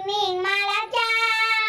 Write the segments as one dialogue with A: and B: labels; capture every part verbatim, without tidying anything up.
A: มิงมาแล้วจ้า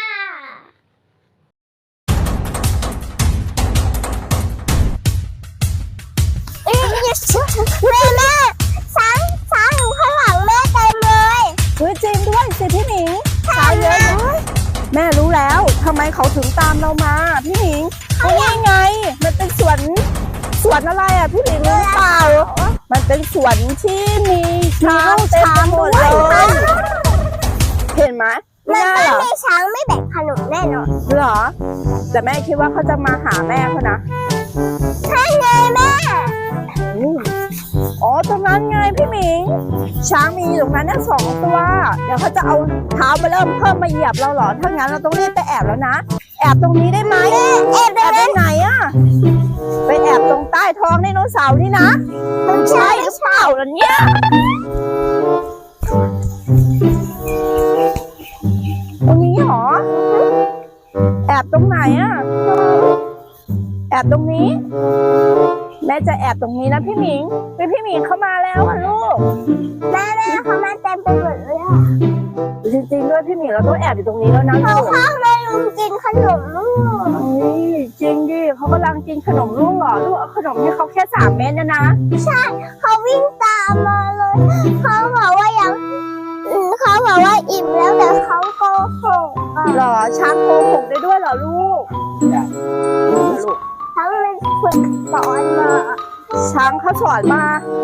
A: แม่แม่ช้างช้างอยู่ข้างหลังแม่เต็มเลย
B: เฮ้ยจริงด้วยสิพี่หมิงช้างเยอะเลยแม่รู้แล้วทำไมเขาถึงตามเรามาพี่หมิงเพราะว่าไงมันเป็นสวนสวนอะไรอ่ะพี่หมิงรู้เปล่ามันเป็นสวนที่มีช้างเต็มไปหมดเลยเห็นไหม
A: มัน
B: ไม่ได้
A: ไม่
B: เหรอ
A: มีช้างไม่แบ่งขนมแน่นอน
B: เหรอแต่แม่คิดว่าเขาจะมาหาแม่เขานะ
A: ใช่ไงแม่
B: อ๋อตรงนั้นไงพี่หมิงช้างมีอยู่ตรงนั้นน่ะสองตัวเดี๋ยวเขาจะเอาเท้ามาเริ่มเพิ่มมาเหยียบเราเหรอถ้างั้นเราต้องรีบไปแอบแล้วนะแอบตรงนี้ได้ไหมแอบแอบไปไหนอะไปแอบตรงใต้ท้องไดโนเสาร์นี่นะมันใช่หรือเปล่าล่ะเนี่ยตรงนี้เหรอแอบตรงไหนอะแอบตรงนี้แม่จะแอบตรงนี้นะพี่หมิงพี่พี่หมิงเข้ามาแล้วอ่ะลูก
A: แม่แม่เขามาเต็มไปหมดเลยอ่ะ
B: จริงๆด้วยพี่หมิงเราต้องแอบอยู่ตรงนี้แล้วนะ
A: เขาข้างเลยลุงกินขนมลูก
B: จริงดิเขากำลังกินขนมลูกเหรอลูกเอาขนมให้เขาแค่สามเม็ดนะนะ
A: ใช่เขาวิ่งตามมาเลยเขาบอกว่ายังเขาบอกว่าอิ่มแล้วแต่เขาโกหก
B: เหรอช้างโกหกได้ด้วยเหรอลูกลูก
A: ทั้งเลยฝึกสอนมา
B: ช้างเขาสอนมา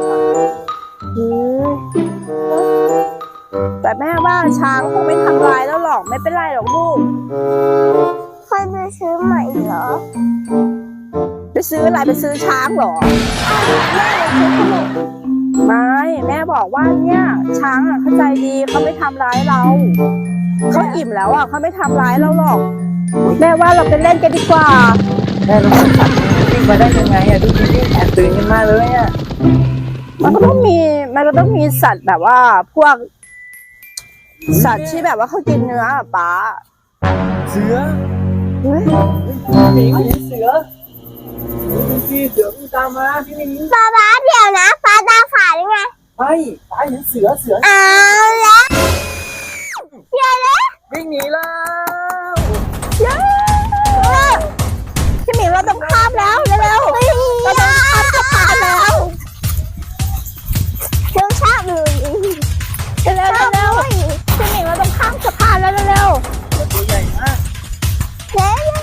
B: แต่แม่ว่าช้างคงไม่ทำลายแล้วหรอกไม่เป็นไรหรอกลูก
A: ค่อยไปซื้อใหม่เหรอ
B: ไปซื้ออะไรไปซื้อช้างเหรอ
A: แม่ไปซื้อขนม
B: ไม่แม่บอกว่าเนี่ยช้างอ่ะเข้าใจดีเขาไม่ทำร้ายเราเขาอิ่มแล้วอ่ะเขาไม่ทำร้ายเราหรอกแม่ว่าเราไปเล่นกันดีกว่า
C: แม่รู้สึกสัตว์วิ่งมาได้ยังไงอ่ะดูวิ่งแอบตื่นกันมาเลยอ่ะ
B: มันก็ต้องมีมันก็ต้องมีสัตว์แบบว่าพวกสัตว์ที่แบบว่าเขากินเนื้อป้า
C: เสือ
B: เฮ้ย
C: หมิงเห็นเสือพี่เสือวิ่งตามมาพี่หมิง
A: ป้าป้าเดี๋ยวนะป้าตาฝาดยังไง
C: ไม่ป้าเห็นเสือเสือ
A: เอาละเดี๋ยวนะ
C: วิ่งหนีแล้ว
B: เย้พี่หมิงเราต้องข้ามแล้วเร็วๆเราต้องข้ามสะพานแล้ว
A: เร็วชาบเลย
B: เร็วเร็วเร็วพี่หมิงเราต้องข้ามสะพานแล้วเร็ว
C: ๆตัวใหญ่มาก
A: เร็ว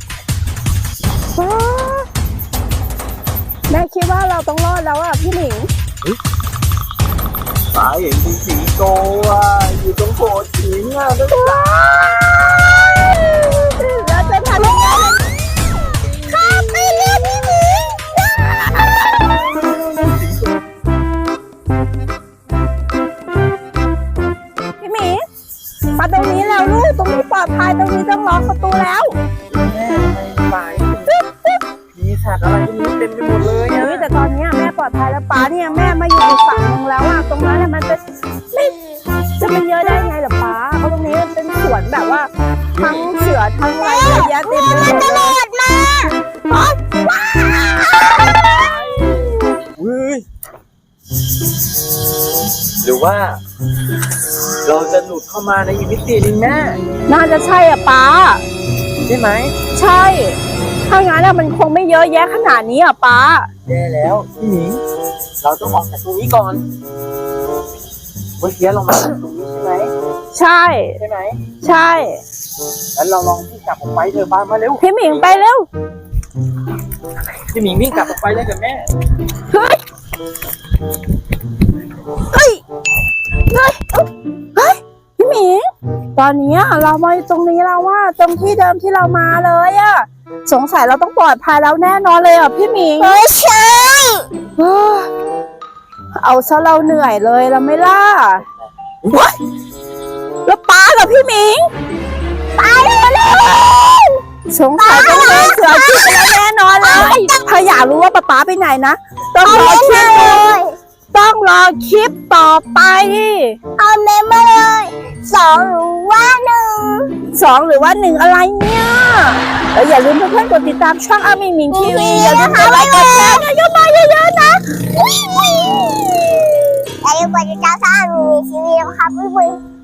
B: แม่คิดว่าเราต้องรอดแล้วอ่ะพี่หมิง
C: ป้าเห็นสิงโตอ่ะอยู่ตรงโขดหินอ่ะด้วย
B: เราจะทำยังไง
A: ข้ามไปเร็วพี่หมิง
B: พี่หมิงมาตรงนี้แล้วลูกตรงนี้ปลอดภัยตรงนี้ต้องล็อกประตูแล้ว
C: แม่ทำไมป้ามีสัตว์อะไรไม่รู้เต็มไปหมดเลยอ่ะ
B: แต่ตอนนี้แม่ปลอดภัยแล้วป้าเนี่ยแม่มาอยู่อีกฝั่งนึงแล้วอ่ะตรงนั้นมันจะไม่จะไม่เยอะได้ไงหรอป้าเพราะตรงนี้เป็นสวนแบบว่าทั้งเสือทั้งอะไรเยอะแยะเต็มไปหมดเลย
A: มาว้าว
C: เฮ้ยหรือว่าเราจะหลุดเข้ามาในอีกมิตินึงแม่
B: น่าจะใช่อ่ะป้า
C: ใช่ไหม
B: ใช่ถ้างั้นอะมันคงไม่เยอะแยะขนาดนี้อ่ะป้า
C: แย่แล้วพี่หมิงเราต้องออกจากตรงนี้ก่อนเมื่อกี้เรามาจากตรงนี้ใช่ไหม
B: ใช่
C: ใช่ไหม
B: ใช่
C: แล้วเราลองวิ่งกลับออกไปเถอะป้ามาเร็ว
B: พี่หมิงไปเร็ว
C: พี่หมิงวิ่งกลับออกไปเลยกับแม่
B: เฮ้ยเฮ้ยเฮ้ยเฮ้ยพี่หมิงตอนนี้เรามาตรงนี้แล้วว่าตรงที่เดิมที่เรามาเลยอะสงสัยเราต้องปลอดภัยแล้วแน่นอนเลยอ่ะพี่หมิง
A: ไม่ใช่
B: เอาซะเราเหนื่อยเลยเราไม่ล่ะแล้วป้ากับพี่หมิง
A: ไปเลย
B: สงสัยต้องโดนเสือกินไปแล้วแน่นอนเลยถ้าอยากรู้ว่าป้าป้าไปไหนนะต้องรอคลิปเลยต้องรอคลิปต่อไป
A: เอาเมมมาเลยสองหรือว่าหนึ่ง
B: สองหรือว่าหนึ่งอะไรเนี่ยแล้วอย่าลืมเพื่อนๆกดติดตามช่องอามิงมิงทีวีอย่าลืมกดไลค์กดแชร์เยอะๆเยอะๆนะ
A: อย่าลืมกดติดตามช่องอามิงมิงทีวีนะครับเพื่อนๆ